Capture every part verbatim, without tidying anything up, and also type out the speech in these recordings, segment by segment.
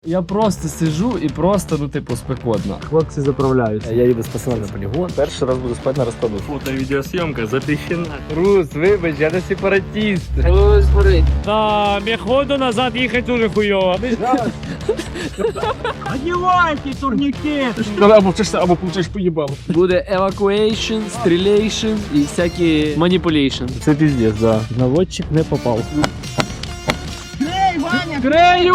Я просто сижу і просто, ну типу, спекотно. Хлопці заправляються. Я їду з пацанами на полігон. Перший раз буду спати на розкладу. Фото-відеосйомка запрещена. Рус, вибач, я не сепаратіст. Ось горить. Да, меходу назад їхати дуже хуйово. Одівайте турнікет! Або вчишся, або получиш поїбало. Буде евакуейшн, стрілейшн і всякі маніпулейшн. Це піздець, да. Наводчик не попав. Грею!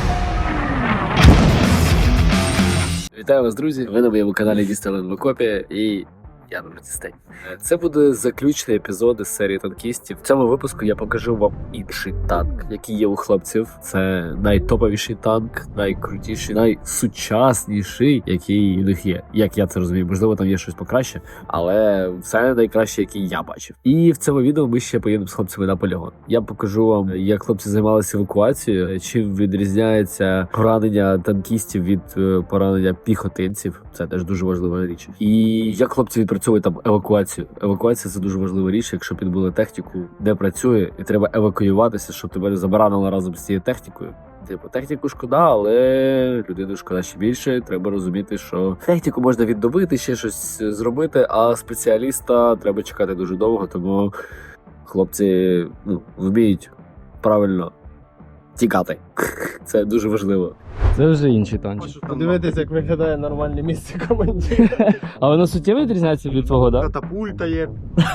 Вітаю вас, друзі! Ви на моєму каналі Дістален в окопі і я на Дістень. Це буде заключний епізод із серії танкістів. В цьому випуску я покажу вам інший танк, який є у хлопців. Це найтоповіший танк, найкрутіший, найсучасніший, який у них є. Як я це розумію, можливо, там є щось покраще, але це найкраще, який я бачив. І в цьому відео ми ще поїдемо з хлопцями на полігон. Я покажу вам, як хлопці займалися евакуацією, чим відрізняється поранення танкістів від поранення піхотинців. Це теж дуже важлива річ. І як хлопці відпрацьовують там евакуацію. Евакуація – це дуже важлива річ, якщо підбили техніку, де працює, і треба евакуюватися, щоб тебе не забаранили разом з цією технікою. Типу, техніку шкода, але людину шкода ще більше. Треба розуміти, що техніку можна відновити, ще щось зробити, а спеціаліста треба чекати дуже довго, тому хлопці ну, вміють правильно тікати. Це дуже важливо. Це вже інший танчик. Подивитися, як виглядає нормальне місце командира. А воно суттєво відрізняється від твого, так? Катапульта є.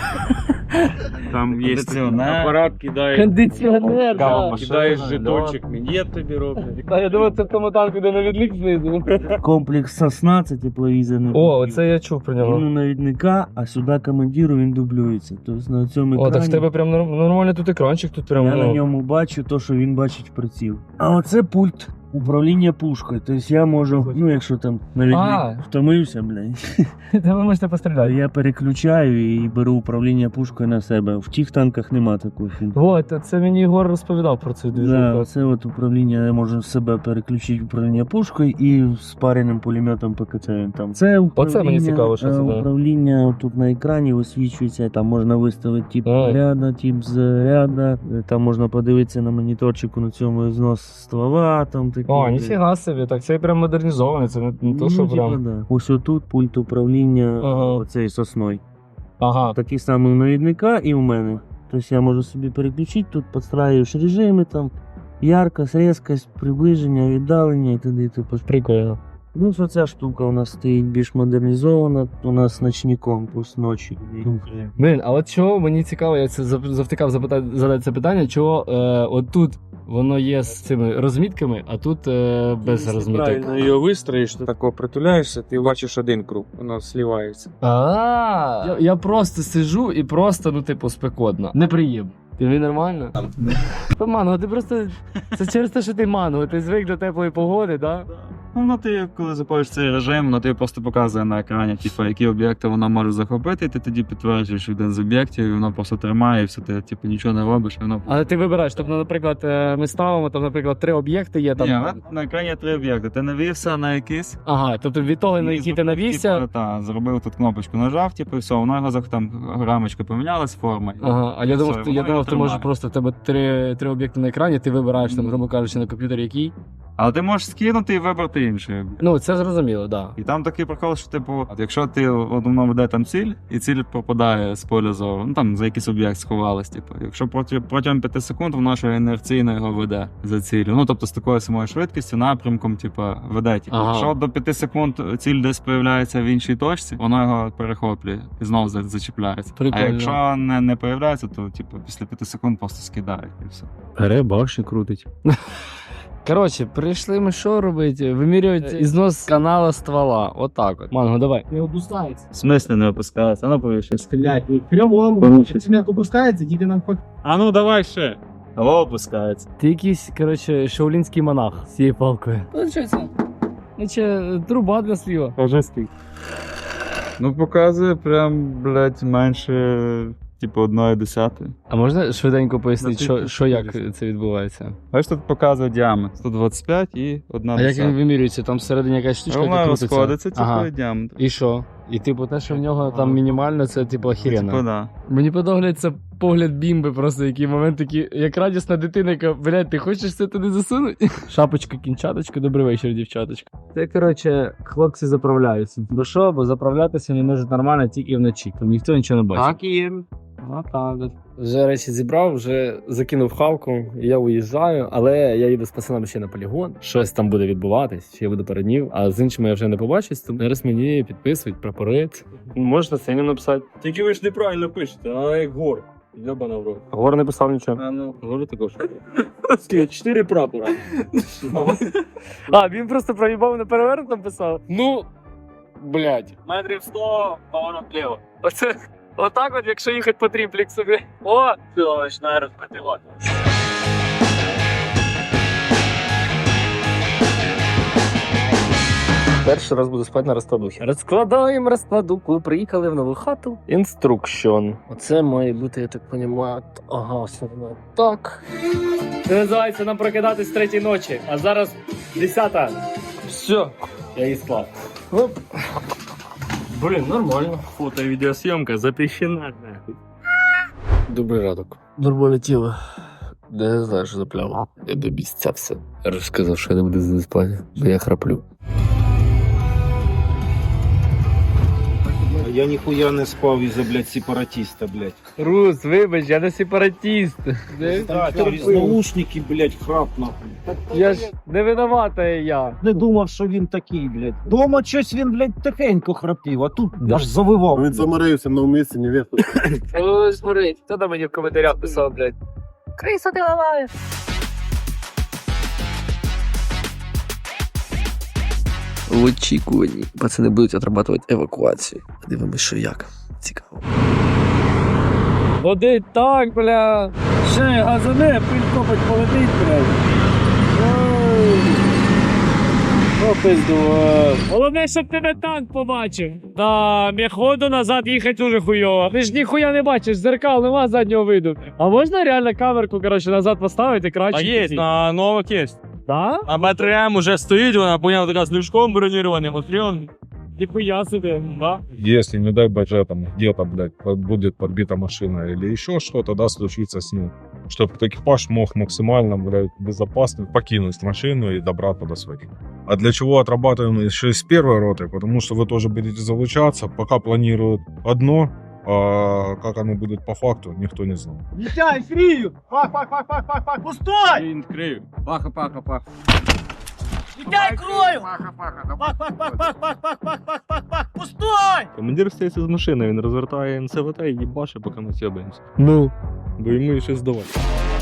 Там є апарат, кидає, Кондиціонер, так. кидаєш жетончик, мені тобі роблять. Я думаю, це в тому танку, де навідник знизу. Комплекс Сосна, це тепловізорний. О, оце я чув про Він нього. у навідника, а сюди командиру він дублюється. Тобто на цьому О, екрані так в тебе прям норм- нормально тут екранчик, тут прям, я на ну... ньому бачу те, що він бачить в приціл. А оце пульт управління пушкою. Тобто я можу, ну якщо там навідник А. втомився, блядь, Та ви можете то постріляти. я переключаю і беру управління пушкою на себе. В тих танках нема такого фільму. Вот, це мені Ігор розповідав про цю Да, движуху. це от управління, я можу себе переключити управління пушкою і з пареним пулеметом по КЦ він там. Це управління, мені цікаво, що це, е, да. управління тут на екрані висвічується, там можна виставити тип Ой. ряда, тип заряда, е, там можна подивитися на моніторчику на цьому знос ствола, там такі. О, ніфіга собі, так це прям модернізований, це не, не то, що Ну, типа, прям... да. Ось отут пульт управління Ага. оцей сосною. Ага. Такий самий у навідника і у мене. Тобто я можу собі переключити, тут підстраюєш режими, там яркость, різкость, приближення, віддалення і т.д. Типу. Прикольно. Ну, що ця штука у нас стоїть більш модернізована, у нас ночником, пусть ночі. Блін, а от чого мені цікаво, я це зав- завтикав запитати, задати це питання, чого е, от тут воно є з цими розмітками, а тут е, без розміток. Правильно її вистроїш, ти тако притуляєшся, ти бачиш один круг, воно слівається. А, я, я просто сижу і просто, ну типу, спекотно. Неприємно. Тобі нормально? Та манго, ти просто... Це через те, що ти манго, ти звик до теплої погоди, так? Да? Ну, ти, коли запалиш цей режим, ну, ти просто показує на екрані, типу, які об'єкти воно може захопити, і ти тоді підтверджуєш один з об'єктів, і воно просто тримає, і все, ти типу, нічого не робиш, і воно... Але ти вибираєш, тобто, наприклад, е, ми ставимо, там, наприклад, три об'єкти є там. Ні, на, на екрані є три об'єкти. Ти навівся на якийсь, Ага, тобто від того, на який ти навівся. Типу, та, зробив тут кнопочку, нажав, типу, і все, воно його зах- там рамочка помінялась, форма. Ага, а я думав, Все, ти, я воно думав, його ти можеш тримає. просто в тебе три, три об'єкти на екрані, ти вибираєш там, грубо кажучи, на комп'ютері який. Але ти можеш скинути і вибрати інший об'єкт. Ну, це зрозуміло, так. І там такий прикол, що типу, от якщо ти одному веде там ціль, і ціль пропадає з поля зору, ну там за якийсь об'єкт сховалась, типу. Якщо проти, протягом п'яти секунд вона ще інерційно його веде за ціллю. Ну тобто з такою самою швидкістю, напрямком, типу, веде. Типу. Ага. Якщо до п'яти секунд ціль десь появляється в іншій точці, воно його перехоплює і знову за- зачіпляється. Прикольно. А якщо не, не появляється, то типу після п'яти секунд просто скидає і все. Бере, башню крутить. Коротше, прийшли ми що робити? Вимірювати ізнос канала ствола. Отак от. Манго, давай. Не опускається. В смислі не опускається, воно повіше. Стрілять. Прямо он, цемент опускається, тільки нам хоч. А ну давай ще. О, опускається. Ти якийсь, коротше, шаулінський монах з цією палкою. Получається. Наче труба для сліва. Кажи скільки. Ну, показує прям, блядь, менше, типу, одної десятої. А можна швиденько пояснити, На що, тисячу що як чотириста. це відбувається? Бачиш, тут показує діаметр. сто двадцять п'ять і одна А як він десята. вимірюється? Там всередині якась штучка, Вона яка крутиться? розходиться, типу, Ага. і діаметр. І що? І типу те, що в нього там мінімально, це типу охеренно. Типу, да. Мені подобається погляд бімби, просто який момент такий, як радісна дитина, яка, блядь, ти хочеш це туди засунути? Шапочка, кінчаточка, добрий вечір, дівчаточка. Це, коротше, хлопці заправляються. Бо що, бо заправлятися вони можуть нормально тільки вночі, там ніхто нічого не бачить. Так і є. А так. Вже речі зібрав, вже закинув хавку, я уїжджаю, але я їду з пацанами ще на полігон. Щось там буде відбуватись, ще я буду перед ним, а з іншими я вже не побачусь, тому зараз мені підписують прапорець. Можна синю написати. Тільки ви ж неправильно пишете, а як гор. Йобана в рот. Гор не писав нічого. А ну. Говорю також. Чотири прапора. А, він просто проїбав на перевернутом писав. Ну, блядь. Метрів сто, поворот вліво. Оце, отак от, якщо їхати по трімплексу, блядь. О! Все, починає розпотівати. Перший раз буду спати на розкладухі. Розкладаємо розкладуху, приїхали в нову хату. Інструкшн. Оце має бути, я так розумію, ага, все одно так. Це називається нам прокидатись з третій ночі, а зараз десята. Все, я її склав. Оп. Блін, нормально. Фото і відеосйомка запрещена. Добрий ранок. Нормальне тіло. Не знаю, що за пляма. Я добістявся. Я ж сказав, що я не буду з ним спати, бо я храплю. Я ніхуя не спав із-за, блядь, сепаратиста, блядь. Рус, вибач, я не сепаратіст. Так, через наушники, блядь, храп, нахуй. Я ж не виновата я. Не думав, що він такий, блядь. Дома щось він, блядь, тихенько храпів, а тут аж завивав. Він заморився на місці, невесту. Ой, смотри, хто там мені в коментарях писав, блядь? Криса ти ламаєш. В очікуванні пацани будуть отрабатувати евакуацію. Дивимось, що як. Цікаво. Води так, бля. Ще газане, пиль копать полетить, блядь. О, пизду. Головне, щоб тебе танк побачив. Да, міходу назад їхати дуже хуйово. Ти ж ніхуя не бачиш, зеркал нема заднього виду. А можна реально камерку, коротше, назад поставити краще? А є, на нових є. Да? А БТРМ уже стоїть, вона, поняв, така з люшком бронірованим, отріон. Ніхуя собі, да? Если, не дай боже, там где-то, блядь, под- будет подбита машина или еще что-то, да, случится с ним, чтобы экипаж мог максимально, блядь, безопасно покинуть машину и добраться до своих. А для чего отрабатываем еще и с первой роты? Потому что вы тоже будете залучаться, пока планируют одно, а как оно будет по факту, никто не знал. Вітяй, фрію! Пах, пах, пах, пах, пах, пах, пустой! Він крив. Паха, паха, паха. Вітяй, крою! Пах, пах, пах, пах, пах, пах, пах, пах, пах, пах, пах, пустой! Командир стається з машини, він розвертає ен це ве те і їбаше, поки ми сьобаємося. Ну. Бо йому ще здавати.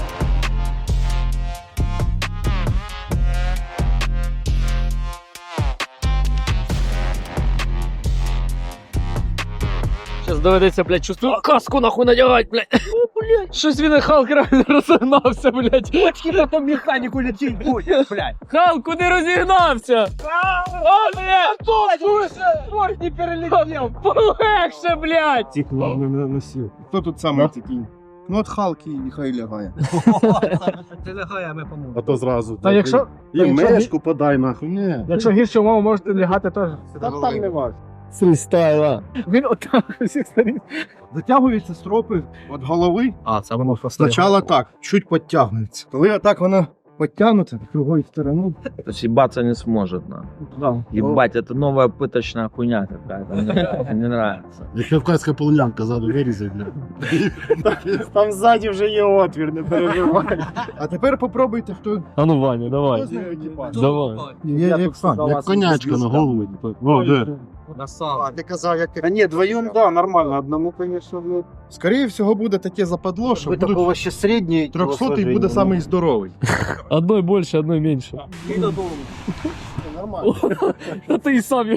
Сейчас доведеться, блядь, чувствую, каску нахуй надягать, блядь. О, блядь. Щось він Халк реально розігнався, блядь. Очки на том механику летит будет, блядь! Халк, куди розігнався? О, блядь! Ой, не перелетел! Полегше, блядь! Тих не носил. Кто тут самый такий? Ну от Халки нехай лягає. Ти лягай, а ми поможемо. А то зразу. Та якщо, І та якщо мешку подай нахуй. Ні. якщо гірше умови, можете лягати теж. Та там не важко. Фрістайла. Він отак з усіх сторін. Затягуються стропи від голови. А, це воно Спочатку так, чуть підтягується. Коли отак воно підтягнуте, другою стороною. То есть ебаться не сможет, на. Да. Ебать, это новая пыточная хуйня какая-то. Мне не нравится. Як кавказька полонянка ззаду вирізать, бля. Там ззаді вже є отвір, не переживай. А тепер попробуйте, хто А ну, Ваня, давай. хто знає екіпаж. Давай. Є, як сам, як конячка на голову. О, де? А ти казав, як А ні, вдвоєм, да, нормально, одному, звісно, ну. Скоріше всього буде таке западло, що ви будуть такого ще середній. трьохсотий буде самий здоровий. Одной більше, одной менше. Нормально. А ти і сам.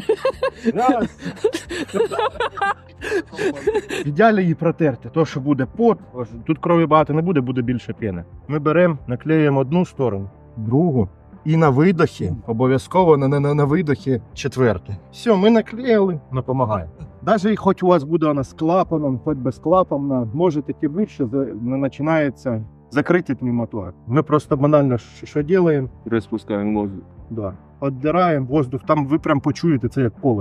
В ідеалі її протерти, то що буде пот, тут крові багато не буде, буде більше піни. Ми беремо, наклеюємо одну сторону, другу, і на видохі, обов'язково на, на, на видохі четверте. Все, ми наклеїли, допомагає. Навіть хоч у вас буде вона з клапаном, хоч без клапана, можете ті вище, не починається закритий пневмотор. Ми просто банально що, що робимо? Розпускаємо воздух. Да. Отдираємо воздух, там ви прям почуєте це як колесо.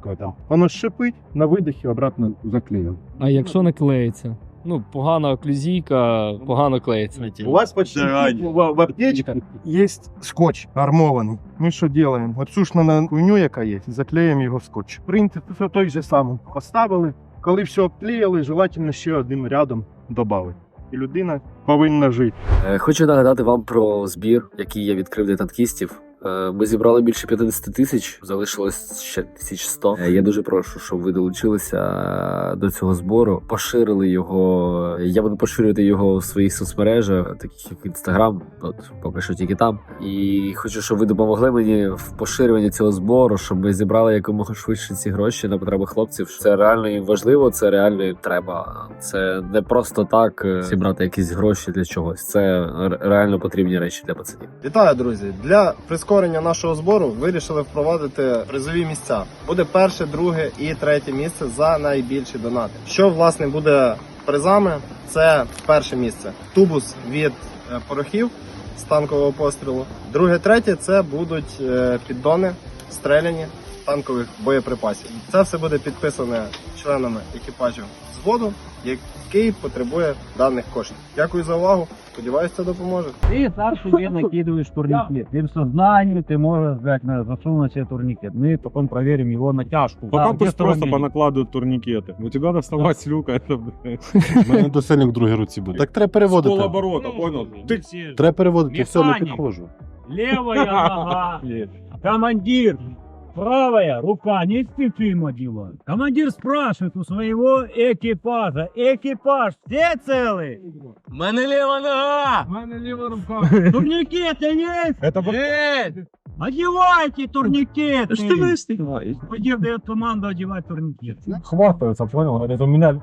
жорстко там. Воно шипить, на видихі обратно заклеїв. А якщо не клеїться? Ну, погана оклюзійка, погано клеїться. У вас почти в, в аптечке есть скотч армований. Ми що робимо? Оцю ж на хуйню, яка є, заклеїмо його скотч. Принцип все той же самий. Поставили, коли все обклеїли, желательно ще одним рядом додати. І людина повинна жити. Е, Хочу нагадати вам про збір, який я відкрив для танкістів. Е, Ми зібрали більше п'ятдесят тисяч, залишилось ще тисяч сто. Е, Я дуже прошу, щоб ви долучилися до цього збору, поширили його. Я буду поширювати його в своїх соцмережах, таких як Інстаграм, от поки що тільки там. І хочу, щоб ви допомогли мені в поширюванні цього збору, щоб ми зібрали якомога швидше ці гроші на потреби хлопців. Це реально їм важливо, це реально їм треба. Це не просто так е, зібрати якісь гроші для чогось. Це ре- реально потрібні речі для пацанів. Вітаю, друзі! Для прискорення нашого збору вирішили впровадити призові місця. Буде перше, друге і третє місце за найбільші донати. Що, власне, буде призами? Це перше місце. Тубус від е, порохів з танкового пострілу. Друге, третє – це будуть е, піддони, стреляні танкових боєприпасів. Це все буде підписане членами екіпажу взводу, який потребує даних коштів. Дякую за увагу. Сподіваюсь, це допоможе. Ты сам себе накидываешь турникет. Ты в сознании ты можешь взять, на, засунуть себе турникет. Мы потом проверим его натяжку. Потом где пусть просто ранение. понакладывают турникеты. У тебя доставать с люка, это, блядь, У мене до сильник в другій руці буде. Так треба с переводити. полоборота, понял? Ты Треба переводити, все, не Механік. підходжу. Левая нога. Командир. Правая рука не специфимо делает. Командир спрашивает у своего экипажа. Экипаж, все целы? У мене ліва нога! У мене ліва рука. Турникеты есть? Это Есть! Одевайте турникеты! Что вы снимаете? Командир дает команду одевать турникет. хватаются, понял? Говорит, у меня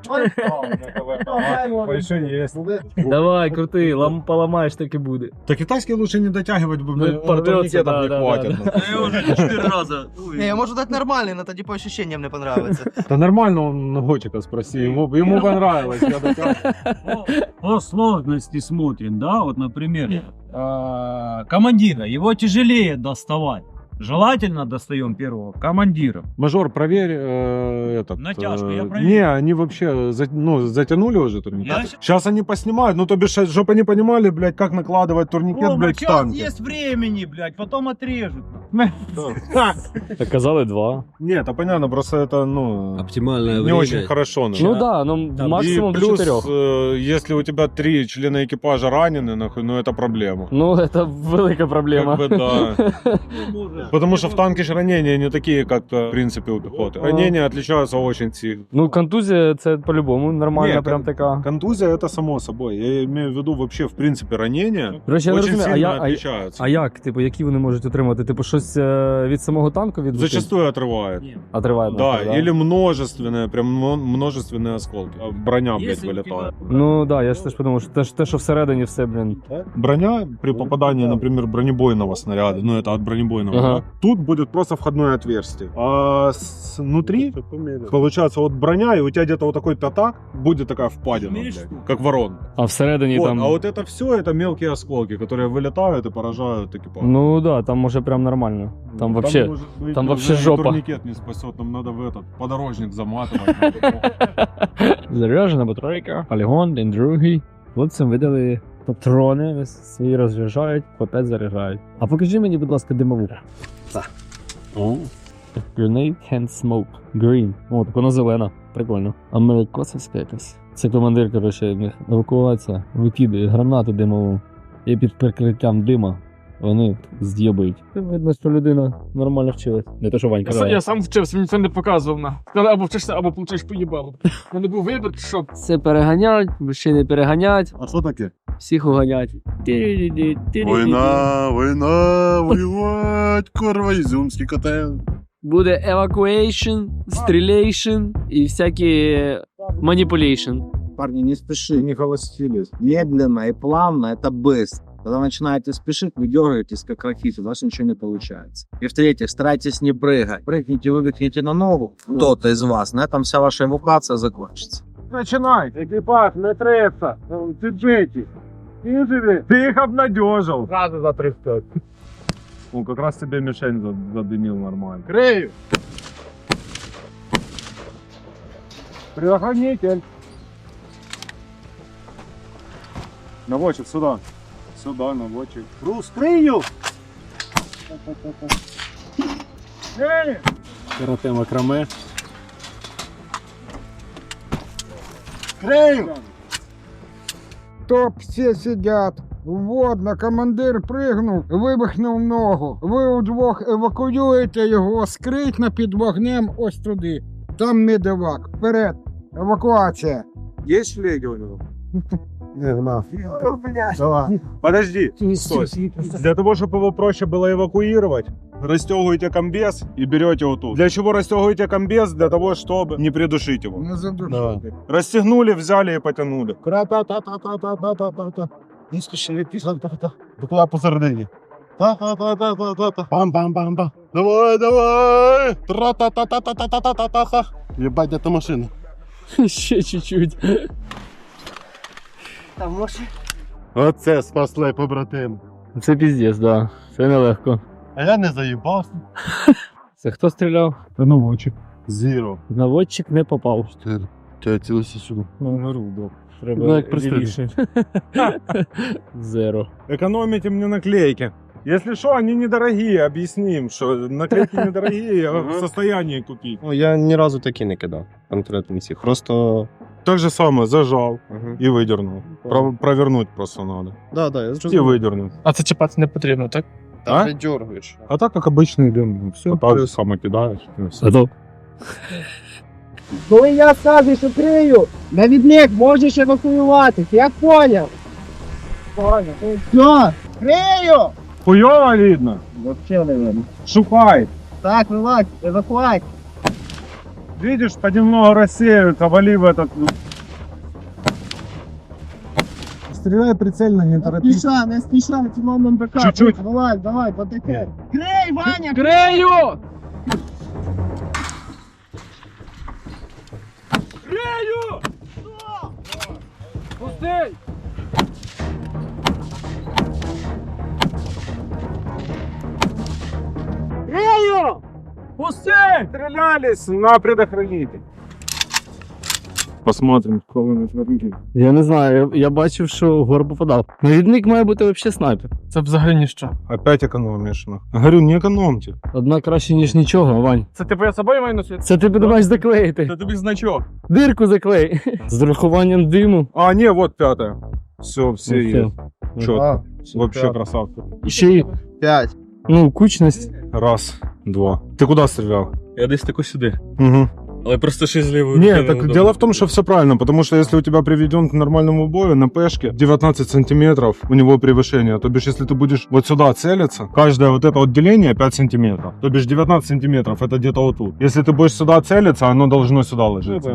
больше есть. Давай, крути, лам, поламаєш, так і буде. Так китайский лучше не дотягивать, Ну, блядь, порвётся, турникетов да, не да, хватит. Я уже четыре раза. Не, я можу дати нормальний, но тоді по ощущениям не понравится. Да нормально, он Готика спроси, ему, ему понравилось. Я дотягиваю. По, по сложности смотрим, да, вот, например, э, командира, его тяжелее доставать. Желательно достаем первого командира. Мажор, проверь э, этот. Натяжку, э, я проверю. Не, они вообще за- ну, затянули уже турникет. Я щас- Сейчас они поснимают, ну то бишь, чтобы они понимали, блядь, как накладывать турникет, Рома, блядь, к сейчас танке. есть времени, блядь, потом отрежут. Так казали два. Нет, это понятно, просто это, ну, Оптимальное не очень хорошо. Ну. Ну да, ну максимум И до плюс, чотирьох. э, если у тебя три члена экипажа ранены, нахуй, ну это проблема. Ну, це велика проблема. Как бы да. Потому что в танке же ранения не такие, как в принципе у пехоты. Ранения отличаются очень сильно. Ну, контузія це по-любому нормальна, Ні, прям кон- така. Контузия это само собой. Я имею в виду вообще в принципе ранения Короче, я не очень розумію, а, сильно я, а, отличаются. а як? Типу, які вони можуть отримати? Типу, щось е, від самого танку відбути? Зачастую отрывает. Отриває. Да, нахуй, или множественные, прям мно- множественные осколки. А Броня, блядь, Если у вылетает. Ну да, я ж теж подумав, що те, що- те, що всередині все, блін. Броня при попадании, например, бронебойного снаряда, ну это от бронебойного, Ага. да, тут будет просто входное отверстие. А с- внутри, получается, вот броня, и у тебя где-то вот такой пятак, будет такая впадина, блядь, как ворон. А всередині Вот, там. а вот это все, это мелкие осколки, которые вылетают и поражают экипаж. Ну да, там може прям нормально. Там вообще. может быть, там уже вообще и жопа. турникет не спасет, нам надо в этот подорожник заматывать. Заряджена батарейка, полігон, день другий. Хлопцям видали патрони, свої розряджають, по п'ять заряджають. А покажи мені, будь ласка, димову. Так. О. Grenade can smoke. Green. О, так вона зелена. Прикольно. Америкосовська якась. Це командир, коротше, в них евакуація. Викидає гранату димову. І під прикриттям дима вони з'єбують. Видно, що людина нормально вчилась. Не те, що Ванька. Я, сам- я сам вчився, мені це не показував на. Сказали, або вчишся, або получиш поїбало. У мене був вибір, що Це переганять, мужчини переганять, А що таке? всіх уганять. Війна, війна, воювать, корва, ізюмський котел. Буде evacuation, стрілейшн і всякі маніпулейшн. Парни, не спеши, не холостились. Медленно и плавно это быстро. Когда начинаете спешить, вы дергаетесь как ракеты, у вас ничего не получается. И в-третьих, старайтесь не прыгать. Прыгните, выбегните на ногу, кто-то из вас, на этом вся ваша эвакуация закончится. Начинай, экипаж, не треться, цепите. Ты живи, ты их обнадежил. Сразу за тридцать. Ну, как раз тебе мишень задымил нормально. Крею. Предохранитель. Наводчик, сюда. Сюда, наводчик. Розкрию! Карате макраме. Крию! Топ все сидят. Водно, командир пригнув, вивихнув ногу. Ви удвох евакуюєте його, скритно під вогнем ось туди. Там медевак. Вперед. Евакуація. Есть шлеги у него? Не знаю. Давай. Подожди. Стой. Для того, чтобы его проще было эвакуировать, расстегиваете комбез и берете его тут. Для чего расстегиваете комбез? Для того, чтобы не придушить его. Не задушуйте. Расстегнули, взяли и потянули. Кра-та-та-та-та-та-та-та. Не спіши, не пішла, та-та. Букла посередині. Та-та-та-та-та-та. Пам-пам-пам-пам. Давай, давай. Тра-та-та-та-та-та-та-та-та. Єбать, это машина. Ще чуть-чуть. Там може. Оце спасли побратим. Це піздець, да. Це нелегко. А я не заїбався. Це хто стріляв? Це наводчик. Зіро. Наводчик не попав. Ти цілися сюди. Ну, грубо. Треба Ну, як пристрілі. лівіше. Зеро. Экономите мне наклейки. Если что, они недорогие, объясним, что наклейки недорогие, я в состоянии купить. Ну, я ні разу такі не кидав. Конкретно всіх. Просто. Так же самое, зажал Угу. и выдернул. Про- провернуть просто надо. Да, да, я И зрозумів. выдернул. А це чіпати не потрібно, так? Там А? не дергаєш. А так как обычный дым, все, так же само кидаешь. и всё. Готов? Коли я скажу, що крию, навідник можеш евакуюватись, я поняв. Поняв. Все, крию! Хуёво видно. Вообще не видно. Шукай. Так, вилазь, евакуація. Видишь, понемногу рассеивается, вали в этот... Стреляй прицельно, не Не спіша, не спіша, автономним БК. Чуть-чуть. Давай, давай, потеке. Крий, Ваня! Крею! Пустий! Крию! Пусти! Стрелялись на предохранитель. Посмотрим, кого на предохранитель. Я не знаю, я, я бачив, що гор попадав. Навідник має бути взагалі снайпер. Це взагалі ніщо. Опять экономишь. ну. Говорю, не экономьте. Одна краще, ніж нічого, Вань. Це типу я собою маю носити? Це ти подумаєш заклеїти. Це тобі значок. Дирку заклей. З урахуванням диму. А, не, вот пятая. Все, все Ну, есть. все. Чётко. Вообще красавцы. І ще й, П'ять. ну, кучність. Раз, два. Ты куда стрелял? Я десь таку сюди. Угу. Але просто ще з лівою. Нет, так дело в том, что все правильно, потому что если у тебя приведен к нормальному бою на пешке девятнадцать сантиметров у него превышение, то бишь если ты будешь вот сюда целиться, каждое вот это вот деление пять сантиметров, то бишь девятнадцать сантиметров это где-то вот тут. Если ты будешь сюда целиться, оно должно сюда ложиться.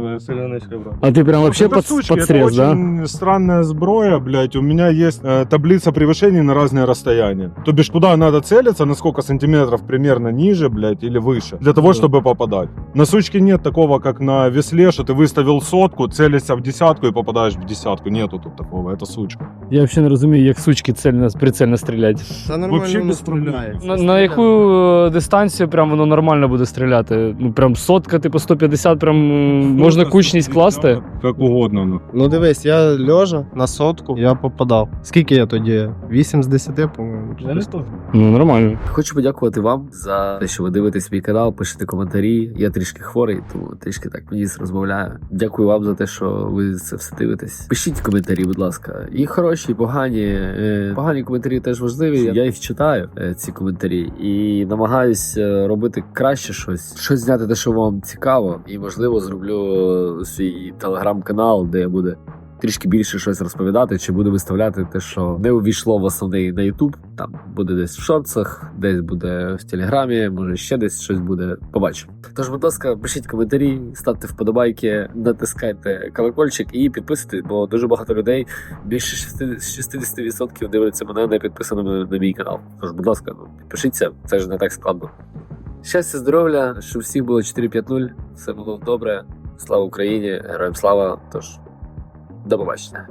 А ти прям вообще Это под, сучки, под это срез, да? очень странная сброя, блядь. У меня есть э, таблица превышений на разные расстояния. То бишь, куда надо целиться, на сколько сантиметров примерно ниже, блядь, или выше, для того, Да. чтобы попадать. На сучке нет такого, как на весле, что ты выставил сотку, целишься в десятку и попадаешь в десятку. Нету тут такого, это сучка. Я взагалі не розумію, як сучки цельно, прицельно стрілять. Та Вообще нормально не без стріляє. На, на яку е, дистанцію прям воно нормально буде стріляти? Ну прям сотка, типу сто п'ятдесят, прям м, можна кучність класти? Как угодно. Ну. Ну дивись, я льожа на сотку, я попадав. Скільки я тоді? вісім з десяти, по-моєму. Ну нормально. Хочу подякувати вам за те, що ви дивитесь мій канал, пишете коментарі. Я трішки хворий, тому трішки так ніс розмовляю. Дякую вам за те, що ви це все дивитесь. Пишіть коментарі, будь ласка. І хороші, і погані. Е, Погані коментарі теж важливі. Я їх читаю, е, ці коментарі, і намагаюсь е, робити краще щось. Щось зняти те, що вам цікаво. І можливо зроблю свій телеграм-канал, де буде трішки більше щось розповідати, чи буду виставляти те, що не увійшло в основний на YouTube. Там буде десь в шортсах, десь буде в Телеграмі, може ще десь щось буде. Побачимо. Тож, будь ласка, пишіть коментарі, ставте вподобайки, натискайте колокольчик і підписуйтесь, бо дуже багато людей, більше шістдесят відсотків дивляться мене не підписаними на мій канал. Тож, будь ласка, ну, підпишіться, це ж не так складно. Щастя, здоров'я, щоб всіх було чотири п'ять нуль, все було добре. Слава Україні, героям слава. Тож, до побачення.